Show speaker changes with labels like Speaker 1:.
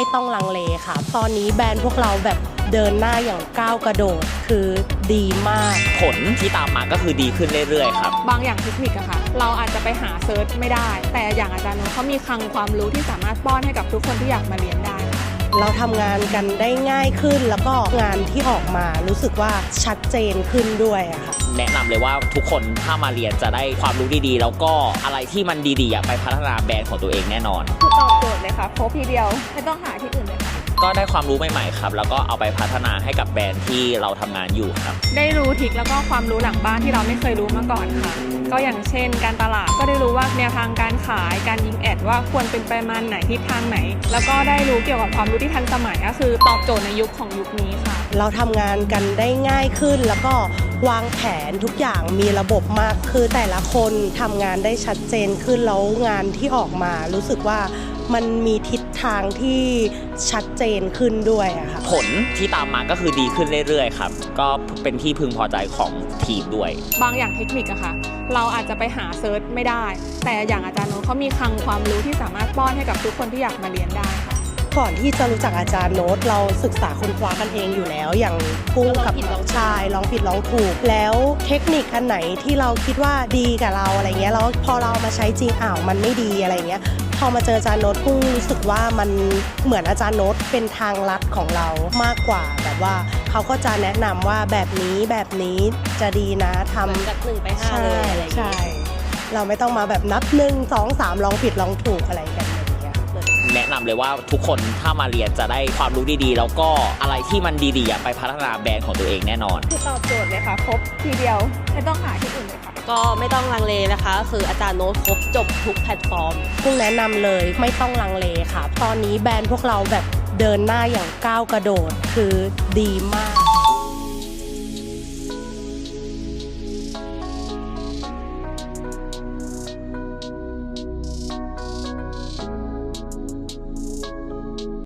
Speaker 1: ไม่ต้องลังเลค่ะตอนนี้แบรนด์พวกเราแบบเดินหน้าอย่างก้าวกระโดดคือดีมาก
Speaker 2: ผลที่ตามมาก็คือดีขึ้นเรื่อยๆครับ
Speaker 3: บางอย่างเทคนิคอะค่ะเราอาจจะไปหาเซิร์ชไม่ได้แต่อย่างอาจารย์โน้ตเขามีคลังความรู้ที่สามารถป้อนให้กับทุกคนที่อยากมาเรียนได้
Speaker 1: เราทำงานกันได้ง่ายขึ้นแล้วก็งานที่ออกมารู้สึกว่าชัดเจนขึ้นด้วยอะค่ะ
Speaker 2: แนะนำเลยว่าทุกคนถ้ามาเรียนจะได้ความรู้ดีๆแล้วก็อะไรที่มันดีๆไปพัฒนาแบรนด์ของตัวเองแน่นอน
Speaker 3: ตอบโจทย์เลยค่ะครบทีเดียวไม่ต้องหาที่อื่นเลยค่ะ
Speaker 2: ก็ได้ความรู้ใหม่ๆครับแล้วก็เอาไปพัฒนาให้กับแบรนด์ที่เราทำงานอยู่ครับ
Speaker 3: ได้รู้ทริคแล้วก็ความรู้หลังบ้านที่เราไม่เคยรู้มาก่อนค่ะก็อย่างเช่นการตลาดก็ได้รู้ว่าแนวทางการขายการยิงแอดว่าควรเป็นประมาณไหนทิศทางไหนแล้วก็ได้รู้เกี่ยวกับความรู้ที่ทันสมัยก็คือตอบโจทย์ในยุคของยุคนี้ค่ะ
Speaker 1: เราทำงานกันได้ง่ายขึ้นแล้วก็วางแผนทุกอย่างมีระบบมากคือแต่ละคนทำงานได้ชัดเจนขึ้นแล้วงานที่ออกมารู้สึกว่ามันมีทิศทางที่ชัดเจนขึ้นด้วยอะค่ะ
Speaker 2: ผลที่ตามมาก็คือดีขึ้นเรื่อยๆครับก็เป็นที่พึงพอใจของทีมด้วย
Speaker 3: บางอย่างเทคนิคอะค่ะเราอาจจะไปหาเซิร์ชไม่ได้แต่อย่างอาจารย์โน้ตเขามีคลังความรู้ที่สามารถป้อนให้กับทุกคนที่อยากมาเรียนได้ค่ะ
Speaker 1: ก่อนที่จะรู้จักอาจารย์โน้ตเราศึกษาค้นคว้ากันเองอยู่แล้วอย่างกุ้งกับน้องชายลองผิดลองถูกแล้วเทคนิคอันไหนที่เราคิดว่าดีกับเราอะไรเงี้ยแล้วพอเรามาใช้จริงมันไม่ดีอะไรเงี้ยพอมาเจออาจารย์โน้ตกุ้งรู้สึกว่ามันเหมือนอาจารย์โน้ตเป็นทางลัดของเรามากกว่าแบบว่าเขาก็จะแนะนำว่าแบบนี้จะดีนะทำ
Speaker 4: จาก1 ไป 5เลยอะไรอย่างเงี้ย
Speaker 1: เราไม่ต้องมาแบบนับ1 2 3ลองผิดลองถูกอะไรกัน
Speaker 2: แนะนำเลยว่าทุกคนถ้ามาเรียนจะได้ความรู้ดีๆแล้วก็อะไรที่มันดีๆไปพัฒนาแบรนด์ของตัวเองแน่นอน
Speaker 3: ตอบโจทย์เลยค่ะครบทีเดียวไม่ต้องหาที่อื่นเลยค่ะ
Speaker 4: ก็ไม่ต้องลังเลนะคะคืออาจารย์โน้ตครบจบทุกแพลตฟอร์ม
Speaker 1: กุ้งแนะนำเลยไม่ต้องลังเลค่ะตอนนี้แบรนด์พวกเราแบบเดินหน้าอย่างก้าวกระโดดคือดีมาก